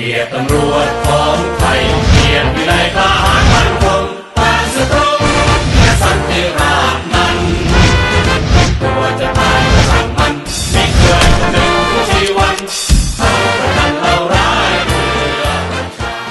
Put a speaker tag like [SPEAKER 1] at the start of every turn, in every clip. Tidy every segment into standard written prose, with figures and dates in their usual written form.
[SPEAKER 1] กียรติตำรวจของไทยเกียรติวินัยทหารมั่นคงปราศตรงและสันติราษฎร์นั้นตัวจะตายก็ช่างมันไม่เคยคำนึงถึงชีวันเราประทันเราร้ายเพื่อประชา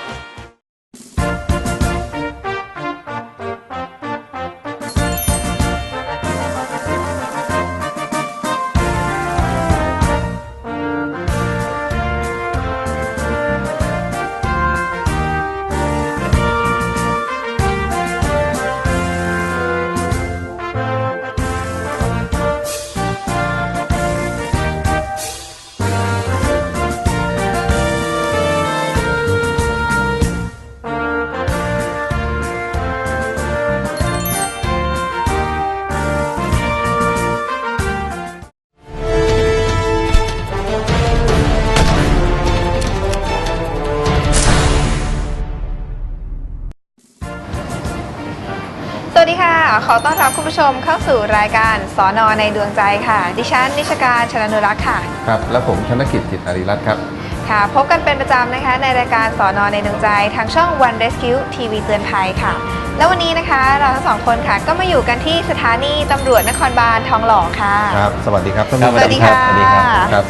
[SPEAKER 2] สวัสดีค่ะขอต้อนรับคุณผู้ชมเข้าสู่รายการสน.ในดวงใจค่ะดิฉันนิชการชนนุรักษ์ค่ะ
[SPEAKER 3] ครับและผมธนกิจจิตอารีรัตน์ครับ
[SPEAKER 2] ค่ะพบกันเป็นประจำนะคะในรายการสน.ในดวงใจทางช่อง One Rescue ทีวีเตือนภัยค่ะแล้ววันนี้นะคะเราทั้งสองคนค่ะก็มาอยู่กันที่สถานีตำรวจนครบาลทองหล่อค่ะ
[SPEAKER 3] ครับสวัสดีครับท่านผู้ชม
[SPEAKER 2] สวัสดีค่ะ
[SPEAKER 3] ครับ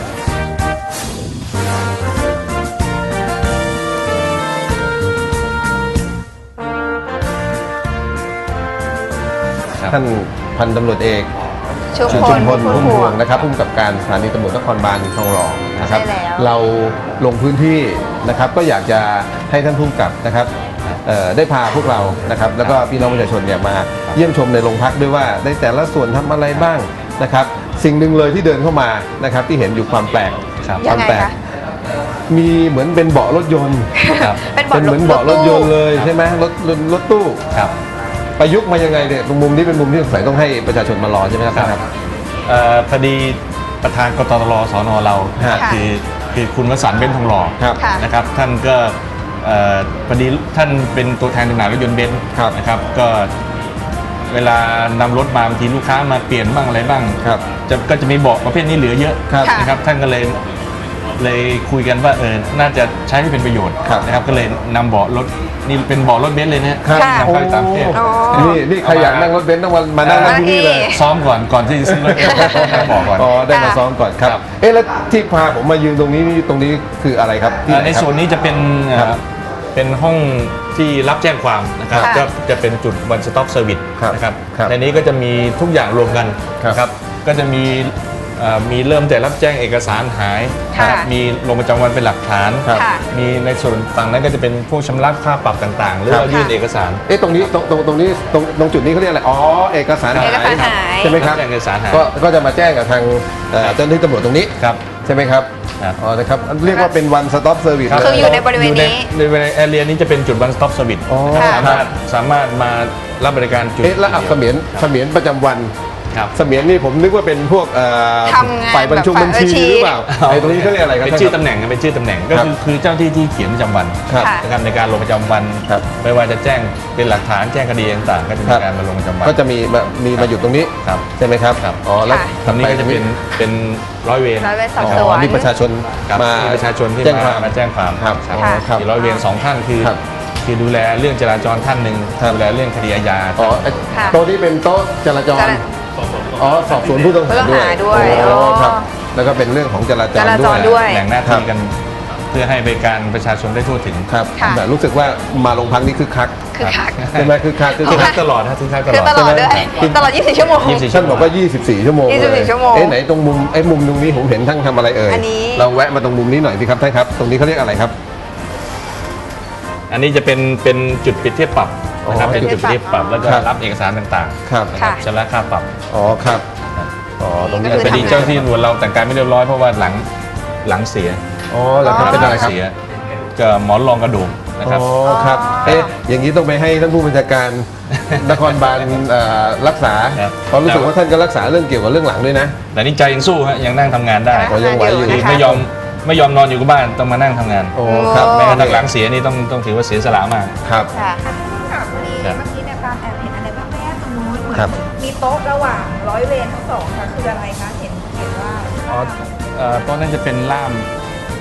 [SPEAKER 3] ท่านพันตำรวจเอก
[SPEAKER 2] ชุมพล
[SPEAKER 3] พุ่มพวงนะครับผู้กำกับการสถานีตำรวจนครบาลทองหล่อนะครับเราลงพื้นที่นะครับก็อยากจะให้ท่านผู้กำกับนะครับได้พาพวกเรานะครับแล้วก็พี่น้องประชาชนเนี่ยมาเยี่ยมชมในโรงพักด้วยว่าในแต่ละส่วนทำอะไรบ้างนะครับสิ่งหนึ่งเลยที่เดินเข้ามานะครับที่เห็นอยู่ความแปลก
[SPEAKER 2] ความแปลก
[SPEAKER 3] มีเหมือนเป็นเบาะรถยนต์เป็นเหมือนเบาะรถยนต์เลยใช่ไหมรถตู้ประยุกต์มายังไงเนี่ยตรงมุมนี้เป็นมุมที่สงสัยต้องให้ประชาชนมารอใช่ไหมครับ
[SPEAKER 4] พอดีประธานกตรสนเราคือคุณวสันต์เบนซ์ทองหล่อนะครับท่านก็พอดีท่านเป็นตัวแทนจำหน่ายรถยนต์เบนซ์นะครับก็เวลานำรถมาบางทีลูกค้ามาเปลี่ยนบ้างอะไรบ้างก็จะมีเบาะประเภทนี้เหลือเยอะนะครับท่านก็เลยคุยกันว่าน่าจะใช้ให้เป็นประโยชน์นะครับก็เลยนำเบาะรถนี่เป็นเบาะรถเบนซ์เลยนะนำเข้าต่างประเทศ
[SPEAKER 3] นี่ใครอยากนั่งรถเบนซ์ต้องมานั่งที่นี่เลย
[SPEAKER 4] ซ้อมก่อนที่จะซื้อรถนั่งเบาะก่อน
[SPEAKER 3] ได้มาซ้อมก่อนครับแล้วที่พาผมมายืนตรงนี้คืออะไรครับ
[SPEAKER 4] ในส่วนนี้จะเป็นห้องที่รับแจ้งความนะครับก็จะเป็นจุด One Stop Service นะครับในนี้ก็จะมีทุกอย่างรวมกันนะครับก็จะมีเริ่มแต่รับแจ้งเอกสารหายมีลงประจำวันเป็นหลักฐานมีในส่วนฝั่งนั้นก็จะเป็นพวกชำระค่าปรับต่างๆหรือว่ายื่นเอกสาร
[SPEAKER 3] ตรงนี้ตรงจุดนี้เขาเรียกอะไรเอกสารหายใช่ไหมครับ
[SPEAKER 4] เอกสารหาย
[SPEAKER 3] ก็จะมาแจ้งกับทางเจ้าหน้าที่ตำรวจตรงนี้ใช่ไหมครับนะครับเรียกว่าเป็น One Stop Service
[SPEAKER 2] คืออยู่ในบริเวณนี้
[SPEAKER 4] ในแอเรียนี้จะเป็นจุด One Stop Service สามารถมารับบริการจุด
[SPEAKER 3] แล้วเสมียนประจำวันเสมียนนี่ผมนึกว่าเป็นพวกฝ่ายบัญชีหรือเปล่าตรงนี้เขาเรียกอะไรครับ
[SPEAKER 4] เป็นชื่อตำแหน่งก็คือเจ้าที่เขียนประจำวันนะครับในการลงประจำวันไม่ว่าจะแจ้งเป็นหลักฐานแจ้งคดีต่างๆก็จะมีการมาลงประจำวัน
[SPEAKER 3] ก็จะมีมาอยู่ตรงนี้ใช่ไหมครับ
[SPEAKER 4] แล้วตรงนี้ก็จะเป็นร้อยเวร
[SPEAKER 2] สอบสวน
[SPEAKER 3] นี่ประชาชน
[SPEAKER 4] ที่มาแจ้งความมีร้อยเวร2 ท่านคือดูแลเรื่องจราจรท่านหนึ่งดูแลเรื่องคดีอาญา
[SPEAKER 3] โต๊ะที่เป็นโต๊ะจราจรสอบสวนผู้ต้องหาด้วยครับแล้วก็เป็นเรื่องของจราจร
[SPEAKER 2] ด้วย
[SPEAKER 4] แบ่งหน้าที่กันเพื่อให้บริการประชาชนได้ทั่วถึง
[SPEAKER 3] ครับแต่รู้สึกว่ามาโรงพักนี้คึกคักใช่ไหมคึกคัก
[SPEAKER 4] ตลอดนะคึกคัก
[SPEAKER 2] ตลอดด้วยตลอด24 ชั่วโมง
[SPEAKER 3] ท่านบอกว่า24 ชั่วโมงไหนตรงมุมตรงนี้ผมเห็นท่านทำอะไรเราแวะมาตรงมุมนี้หน่อยสิครับท่านครับตรงนี้เขาเรียกอะไรครับ
[SPEAKER 4] อันนี้จะเป็นจุดปิดเทียบปรับนะครับเป็นจุดเทียบปรับแล้วก็รับเอกสารต่างๆนะครับชำระค่าปรับ
[SPEAKER 3] ครับ
[SPEAKER 4] ตรงนี้พอดีเจ้าที่ตำรวจเราแต่งกายไม่เรียบร้อยเพราะว่าหลังเสีย
[SPEAKER 3] แล้วเป็นอะไรครับ
[SPEAKER 4] ก็หมอนรองกระดูกนะครับ
[SPEAKER 3] ครับอย่างนี้ต้องไปให้ท่านผู้บัญชาการนครบาลรักษาเพราะรู้สึกว่าท่านก็รักษาเรื่องเกี่ยวกับเรื่องหลังด้วยนะ
[SPEAKER 4] แต่นี่ใจยังสู้ฮะยังนั่งทำงานได้
[SPEAKER 3] ยังไหวอยู่
[SPEAKER 4] ไม่ยอมนอนอยู่กับบ้านต้องมานั่งทำงาน
[SPEAKER 3] ครับ
[SPEAKER 4] แม้กระทั่งหลังเสียนี่ต้องถือว่าเสียสละมาก
[SPEAKER 3] ครับ
[SPEAKER 2] เมื่อกี้ในการแอบเห็นอะไรบ้างแม่ตรงนู้นเหมือนมีโต๊ะระหว่างร้อยเวรทั้ง 2ค่ะคืออะไรคะเห็นว่า
[SPEAKER 4] โต๊ะนั้นจะเป็นล่ามภาษา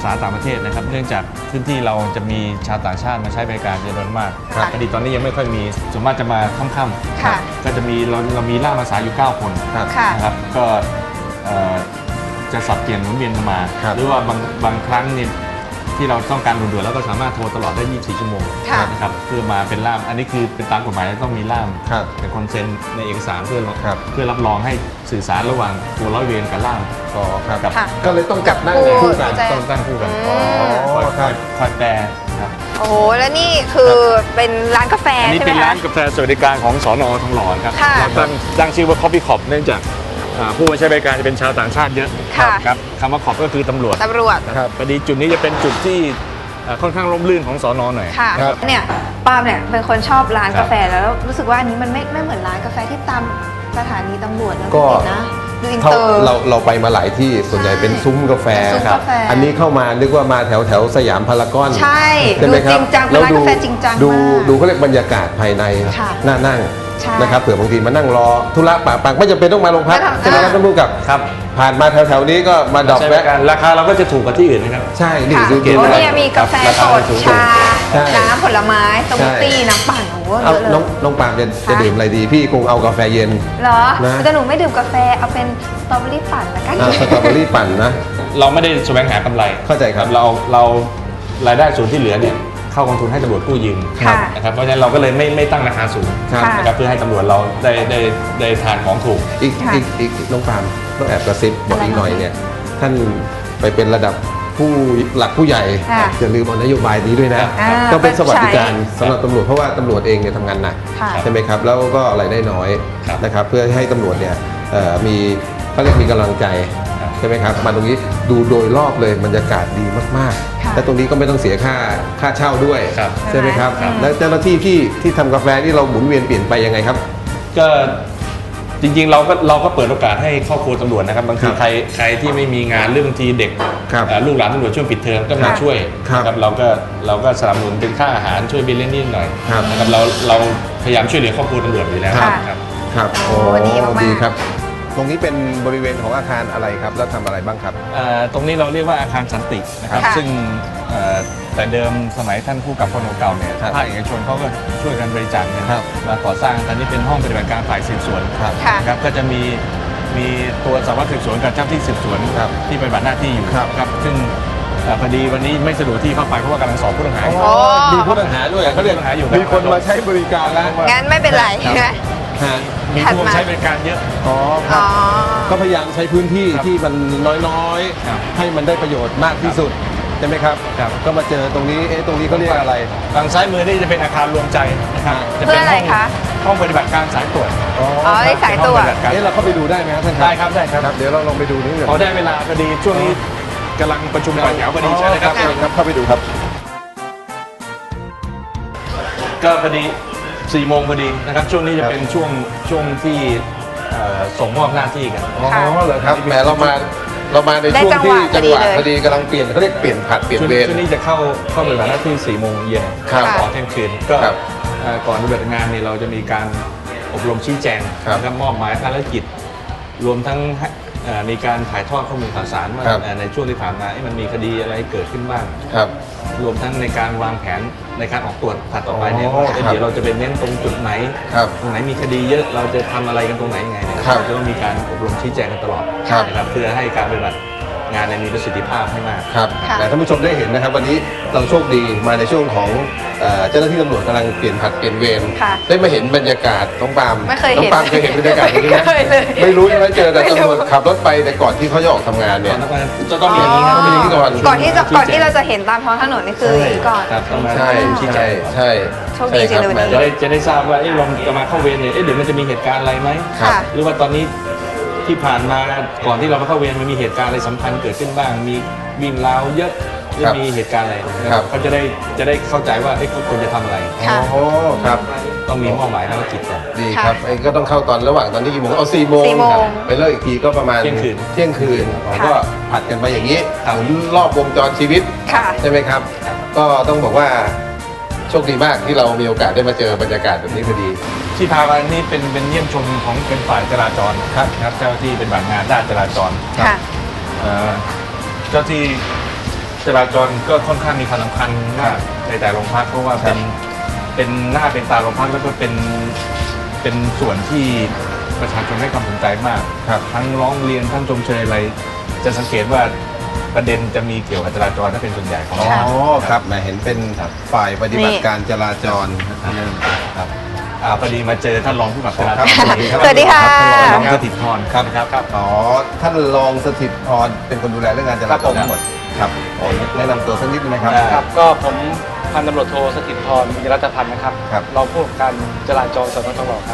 [SPEAKER 4] าต่างประเทศนะครับเนื่องจากพื้นที่เราจะมีชาวต่างชาติมาใช้บริการจำนวนมากพอดีตอนนี้ยังไม่ค่อยมีส่วนมากจะมาค่ำๆก็จะมีเรามีล่ามภาษาอยู่9 คนนะครับก็จะสับเปลี่ยนหมุนเวียนกันมาหรือว่าบางครั้งเนี่ยที่เราต้องการด่วนๆแล้วก็สามารถโทรตลอดได้24 ชั่วโมงนะครับเพื่อมาเป็นล่ามอันนี้คือเป็นตามกฎหมายต้องมีล่ามเป็นคนเซ็นในเอกสารเพื่อรับรองให้สื่อสารระหว่างตัวร้อยเวรกับล่าม
[SPEAKER 3] ครับก็เลยต้องจับนั่งคู่กัน
[SPEAKER 4] ต้องตั้งคู่กันคอยแปลครับ
[SPEAKER 2] โอ้โหแล้วนี่คือเป็นร้านกาแฟใช่ไหมคะอันนี้
[SPEAKER 4] เป็นร้านกาแฟสวัสดิการของสน.ทองหล่อครับเราตั้งชื่อว่า Coffee Cop เนื่องจากผู้ใช้บริการจะเป็นชาวต่างชาติเยอะครับคำว่าขอบก็คือตำรวจครับพอดีจุดนี้จะเป็นจุดที่ค่อนข้างร่มรื่นของสน.หน่อย
[SPEAKER 2] ค่ะเนี่ยปาล์มเนี่ยเป็นคนชอบร้านกาแฟแล้วรู้สึกว่าอันนี้มันไม่เหมือนร้านกาแฟที่ตามสถานีตำรวจนะ
[SPEAKER 3] ก็
[SPEAKER 2] นะดูอินเตอร์
[SPEAKER 3] เราไปมาหลายที่ส่วนใหญ่เป็นซุ้มกาแฟครับอันนี้เข้ามานึกว่ามาแถวสยามพารากอน
[SPEAKER 2] ใช่ดูจริงจังเป็นร้านกาแฟจริงจัง
[SPEAKER 3] ดูเขาเรียกบรรยากาศภายในน่านั่งนะครับเผื่อบางทีมานั่งรอธุระปะปังไม่จำเป็นต้องมาโรงพักใช่ไหมครับท่านผู้กับผ่านมาแถวๆนี้ก็มาดอกแวะ
[SPEAKER 4] ราคาเราก็จะถูกกว่าที่อื่นนะครับ
[SPEAKER 3] ใช่นี่
[SPEAKER 2] ดูเกณฑ์เนี่ยมีกาแฟสดชาน้ำผลไม้สมูทตี้น้ำปั่นโอ้โหเยอะเลย
[SPEAKER 3] น้องปาล์มจะดื่มอะไรดีพี่คงเอากาแฟเย็น
[SPEAKER 2] เหรอแต่หนูไม่ดื่มกาแฟเอาเป็นสตรอเบอรี่ปั่นละกัน
[SPEAKER 3] สตรอเบอรี่ปั่นนะ
[SPEAKER 4] เราไม่ได้แสวงหากำไร
[SPEAKER 3] เข้าใจครับ
[SPEAKER 4] เรารายได้ส่วนที่เหลือเนี่ยเข้ากองทุนให้ตำรวจกู้ยืมนะครับเพราะฉะนั้นเราก็เลยไม่ตั้งราคาสูงนะครับเพื่อให้ตำรวจเราได้ทานของถูก
[SPEAKER 3] อีกน้องปาล์มต้องแอบกระซิบบอกอีกหน่อยเนี่ยท่านไปเป็นระดับผู้หลักผู้ใหญ่อย่าลืมเอานโยบายนี้ด้วยนะก็เป็นสวัสดิการสำหรับตำรวจเพราะว่าตำรวจเองเนี่ยทำงานหนักใช่ไหมครับแล้วก็รายได้น้อยนะครับเพื่อให้ตำรวจเนี่ยมีเขาเรียกมีกำลังใจใช่ไหมครับมาตรงนี้ดูโดยรอบเลยบรรยากาศดีมากๆและตรงนี้ก็ไม่ต้องเสียค่าเช่าด้วยใช่ไหมครับแล้วเจ้าหน้าที่ที่ทำกาแฟที่เราหมุนเวียนเปลี่ยนไปยังไงครับ
[SPEAKER 4] ก็จริงๆเราก็เปิดโอกาสให้ครอบครัวตำรวจนะครับบางทีใครที่ไม่มีงานเรื่องบางทีเด็กลูกหลานตำรวจช่วงปิดเทอมก็มาช่วยครับเราก็สนับสนุนเป็นค่าอาหารช่วยบิลเล่นนิดหน่อยนะครับเราพยายามช่วยเหลือครอบครัวตำรวจอยู่แล้ว
[SPEAKER 3] ครับโอ้ดีครับตรงนี้เป็นบริเวณของอาคารอะไรครับแล้วทำอะไรบ้างครับ
[SPEAKER 4] ตรงนี้เราเรียกว่าอาคารสันตินะครับซึ่งแต่เดิมสมัยท่านผู้กับพลเก่าเนี่ยภาคเอกชนเขาก็ช่วยกันบริจาคเงินมาก่อสร้างตอนนี้เป็นห้องปฏิบัติการฝ่ายสืบสวนครับก็จะมีตัวสารวัตรสืบสวนกับเจ้าที่สืบสวนที่ปฏิบัติหน้าที่อยู่ครับซึ่งพอดีวันนี้ไม่สะดวกที่เข้าไปเพราะว่ากำลังสอบผู้ต้องหา
[SPEAKER 3] มีผู้ต้องหาด้วยเขาเรียกมีคนมาใช้บริการแล้ว
[SPEAKER 2] งั้นไม่เป็นไร
[SPEAKER 4] มีผู้ใช้บริการเยอะ
[SPEAKER 3] ครับก็พยายามใช้พื้นที่ที่มันน้อยๆให้มันได้ประโยชน์มากที่สุดใช่ไหมครับก็มาเจอตรงนี้ตรงนี้เขาเรียกอะไร
[SPEAKER 4] ทางซ้ายมือนี่จะเป็นอาคารรวมใจนะครับ
[SPEAKER 2] จะเป็น
[SPEAKER 4] ห้องปฏิบัติการสายตรวจ
[SPEAKER 2] สายตรวจ
[SPEAKER 3] เราเข้าไปดูได้ไหมครับท่าน
[SPEAKER 4] ได้ครับ
[SPEAKER 3] เดี๋ยวเราลองไปดูนิดหนึ่ง
[SPEAKER 4] พอได้เวลาพอดีช่วงนี้กำลังประชุมต่อแถวพอดีใช่ไหมครับ
[SPEAKER 3] เข้าไปดูครับ
[SPEAKER 4] ก็พอดี4 โมงพอดีนะครับช่วงนี้จะเป็นช่วงที่ส่งมอบหน้าที่กัน
[SPEAKER 3] เหรอครับแหมเรามาในช่วงที่จังหวะพอดีกำลังเปลี่ยนเขาเรียกเปลี่ยนผัดเปลี่ยนเวร
[SPEAKER 4] ช่วงนี้จะเข้าปฏิบัติหน้าที่4 โมงเย็นต่อเที่ยงคืนก็ก่อนปฏิบัติงานนี่เราจะมีการอบรมชี้แจงนะครับมอบหมายภารกิจรวมทั้งมีการถ่ายทอดข้อมูลข่าวสารว่าในช่วงที่ผ่านมามันมีคดีอะไรเกิดขึ้นบ้างรวมทั้งในการวางแผนในการออกตรวจถัดต่อไปเนี่ยเดี๋ยวเราจะเป็นเน้นตรงจุดไหนตรงไหนมีคดีเยอะเราจะทำอะไรกันตรงไหนยังไงเราจะต้องมีการอบรมชี้แจงกันตลอดนะครับเพื่อให้การปฏิบัติงานมีประสิทธิภาพให้มาก
[SPEAKER 3] ครับแต่ท่านผู้ชมได้เห็นนะครับวันนี้เราโชคดีมาในช่วงของเจ้าหน้าที่ตำรวจกำลังเปลี่ยนผัดเปลี่ยนเวรได้มาเห็นบรรยากาศน้องปาล์มเคยเห็นบรรยากาศนี้ไหมไม่รู้ใช่ไหมเจอแต่ตำรวจขับรถไปแต่ก่อนที่เขาจะออกทำงานเนี่ย
[SPEAKER 4] จะต้องมีอย่างนี้ครับ
[SPEAKER 2] ก่อนที่เราจะเห็นตามท้องถนนนี่คือก่อน
[SPEAKER 3] ใช่
[SPEAKER 2] โชคดีจริง
[SPEAKER 4] เลยจะได้ทราบว่าเราจะมาเข้าเวรเนี่ยเดี๋ยวมันจะมีเหตุการณ์อะไรไหมหรือว่าตอนนี้ที่ผ่านมาก่อนที่เรามาเข้าเวรมันมีเหตุการณ์อะไรสำคัญเกิดขึ้นบ้างมีวิ่งราวเยอะหรือมีเหตุการณ์อะไรเขาจะได้เข้าใจว่าเขาควรจะทำอะไร
[SPEAKER 3] ครับ
[SPEAKER 4] ต้องมีมอบหมายภารกิจก่อน
[SPEAKER 3] ดีครับก็ต้องเข้าตอนที่กี่โมงเอา4 โมงไปเลิกอีกทีก็ประมาณเที่ยงคืนก็ผัดกันไปอย่างนี้หมุนรอบวงจรชีวิตใช่ไหมครับก็ต้องบอกว่าโชคดีมากที่เรามีโอกาสได้มาเจอบรรยากาศแบบนี้พอดี
[SPEAKER 4] ที่พามานี่เป็นเยี่ยมชมของเป็นฝ่ายจราจรครับเจ้าที่เป็นบัตรงานด้านจราจรเจ้าที่จราจรก็ค่อนข้างมีความสำคัญมากในแต่โรงพักเพราะว่าเป็นหน้าเป็นตาโรงพักแล้วก็เป็นส่วนที่ประชาชนให้ความสนใจมากทั้งร้องเรียนทั้งชมเชยอะไรจะสังเกตว่าประเด็นจะมีเกี่ยวกับจราจรถ้าเป็นส่วนใหญ่ของ
[SPEAKER 3] อ๋อครับแหมเห็นเป็นฝ่ายปฏิบัติการจราจร
[SPEAKER 4] ครับพอดีมาเจอท่านรองผู้กำกับจราจร
[SPEAKER 2] สวัสดีค่ะ
[SPEAKER 4] ท่านรองสถิตพรครับ
[SPEAKER 3] อ๋อท่านรองสถิตพรเป็นคนดูแลเรื่องงานจราจรทั้งหมดครับแนะนำตัวสักนิดนึงนะครับ
[SPEAKER 5] ครับก็ผมพันตำรวจโทสถิตพรมีรัตพันธ์นะครับ
[SPEAKER 3] ครับ
[SPEAKER 5] รองผู้กำกับการจราจรสน.ทองหล่อครับ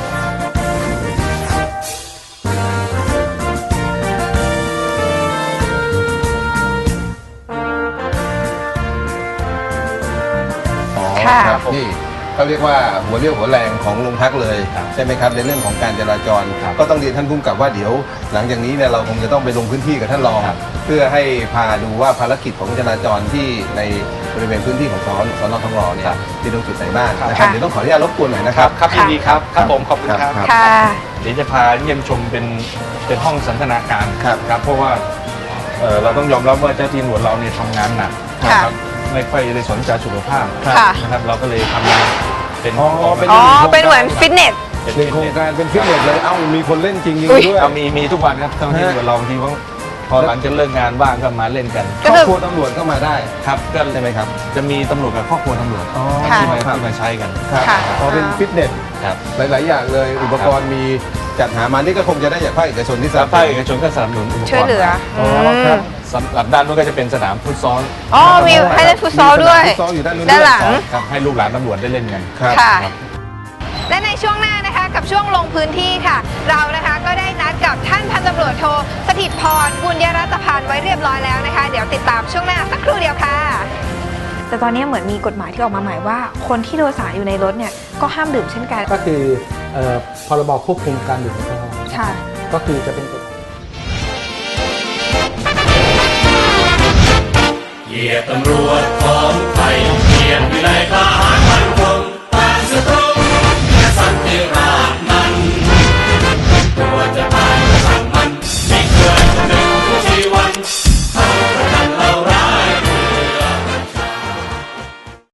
[SPEAKER 2] ค่ะ
[SPEAKER 3] ครับนี่เขาเรียกว่าหัวเรี่ยวหัวแรงของโรงพักเลยใช่ไหมครับในเรื่องของการจราจรก็ต้องเรียนท่านผู้กำกับว่าเดี๋ยวหลังจากนี้เนี่ยเราคงจะต้องไปลงพื้นที่กับท่านรองเพื่อให้พาดูว่าภารกิจของจราจรที่ในบริเวณพื้นที่ของสน.ทองหล่อเนี่ยมีตรงจุดไหนบ้างนะครับเดี๋ยวต้องขออนุญาตรบกวนหน่อยนะครับ
[SPEAKER 5] ครับยินดีครับครับผมขอบคุณครับ
[SPEAKER 2] ค่ะ
[SPEAKER 4] เดี๋ยวจะพาเยี่ยมชมเป็นห้องสันทนาการ
[SPEAKER 3] ครับ
[SPEAKER 4] เพราะว่าเราต้องยอมรับว่าเจ้าที่ตำรวจเราเนี่ยทำงานหนัก
[SPEAKER 2] ค่ะ
[SPEAKER 4] นะครับไม่ค่อยได้สนใจสุขภาพ
[SPEAKER 2] ค่ะ
[SPEAKER 4] นะครับเราก็เลยทำเป็น
[SPEAKER 3] อ๋อเป็น
[SPEAKER 2] อ๋อ เป็นเหมือนฟิตเนส
[SPEAKER 3] หนึ่งโครงการเป็นฟิตเนสเลยเอ้ามีคนเล่นจริง
[SPEAKER 2] อุ๊ย
[SPEAKER 3] ๆด้วย
[SPEAKER 4] มีทุกวันครับเจ้าหน้าที่ตำรวจเราบางทีพอหลังจากเลิกงานบ้างก็มาเล่นกัน
[SPEAKER 3] ครอบครัวตำรวจก็มาได้
[SPEAKER 4] ครับก็
[SPEAKER 3] ใช่ไหมครับ
[SPEAKER 4] จะมีตำรวจกับครอบครัวตำรวจ
[SPEAKER 2] ค่ะ
[SPEAKER 4] ที่มาใช้กัน
[SPEAKER 3] ครับ
[SPEAKER 2] ค่ะ
[SPEAKER 3] พอเป็นฟิตเนส
[SPEAKER 4] ครับ
[SPEAKER 3] หลาย ๆ อย่างเลยอุปกรณ์มีจัดหามานี่ก็คงจะได้จากภาคเอกชนที่ส
[SPEAKER 4] แล้
[SPEAKER 3] นั
[SPEAKER 4] ว
[SPEAKER 3] บส
[SPEAKER 4] ภาค
[SPEAKER 3] นุ
[SPEAKER 4] เอก
[SPEAKER 3] น
[SPEAKER 4] ชนก็สนับสนุนอุปกรณ์
[SPEAKER 2] ช่วยเหลือ
[SPEAKER 3] อ๋อครับ
[SPEAKER 4] สำหรับด้านนู้นก็จะเป็นสนามฟุตซอล
[SPEAKER 2] อ๋อ มีให้เล่นฟุตซอลด้วย
[SPEAKER 3] มีสนามฟุตซอลอยู่ด้านนู้น
[SPEAKER 2] ด้านหลัง
[SPEAKER 4] ครับให้ลูกหลานตำรวจได้เล่นกัน
[SPEAKER 3] ครับ
[SPEAKER 2] ค่ะ
[SPEAKER 4] ครับ
[SPEAKER 2] และในช่วงหน้านะคะกับช่วงลงพื้นที่ค่ะ เรานะคะก็ได้นัดกับท่านพันตำรวจโทสถิตพรบุญยรัตพันธ์ไว้เรียบร้อยแล้วนะคะ เดี๋ยวติดตามช่วงหน้าสักครู่เดียวค่ะ แต่ตอนนี้เหมือนมีกฎหมายที่ออกมาใหม่ว่า คนที่โดยสารอยู่ในรถเนี่ยก็ห้ามดื่มเช่นกัน
[SPEAKER 5] ก็คือพรบควบคุมการดื่มแอลกอฮอล์
[SPEAKER 2] ค่ะ
[SPEAKER 5] ก็คือจะเป็นกฎ
[SPEAKER 1] เหยียดตำรวจของไทยเหยียดวิไลทหารมั่นคงต้านศัตรู